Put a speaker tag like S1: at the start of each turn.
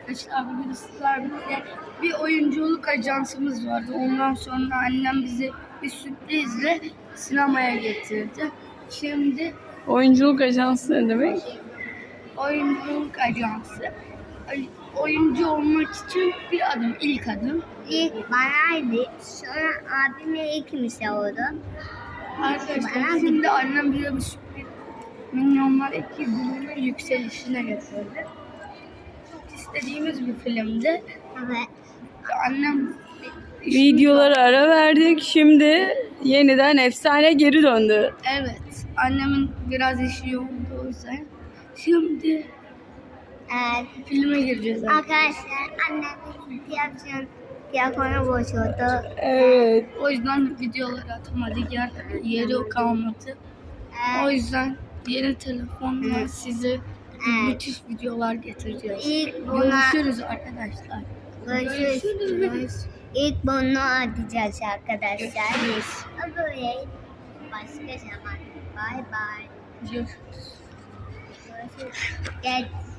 S1: arkadaşlar. Bugün sizlerle bir oyunculuk ajansımız vardı. Ondan sonra annem bizi bir sürprizle sinemaya getirdi. Şimdi
S2: Oyunculuk ajansı ne demek?
S1: oyunculuk ajansı. Oyuncu olmak için bir adım, ilk adım.
S3: İlk banaydı. Sonra abimle ikimiz oldu.
S1: Arkadaşlar şimdi annem bize bir sürpriz Minyonlar ekibinin yükselişine getirdi. Çok istediğimiz bir filmdi.
S3: Evet.
S1: Annem
S2: Videolara ara verdik. Şimdi yeniden efsane geri döndü.
S1: Evet. Annemin biraz işi yoğundu o yüzden. Şimdi filme gireceğiz.
S3: Arkadaşlar annemin telefonu bozuldu.
S2: Evet.
S1: O yüzden videoları atamadık. Yeri kalmadı. O yüzden yeni telefonla size müthiş videolar getireceğiz.
S3: İlk buna
S1: Görüşürüz arkadaşlar.
S3: görüşürüz. İlk bunu atacağız arkadaşlar.
S1: Görüşürüz.
S3: Böyle başka zaman. Bye bye.
S1: Görüşürüz.
S3: Görüşürüz. Gel.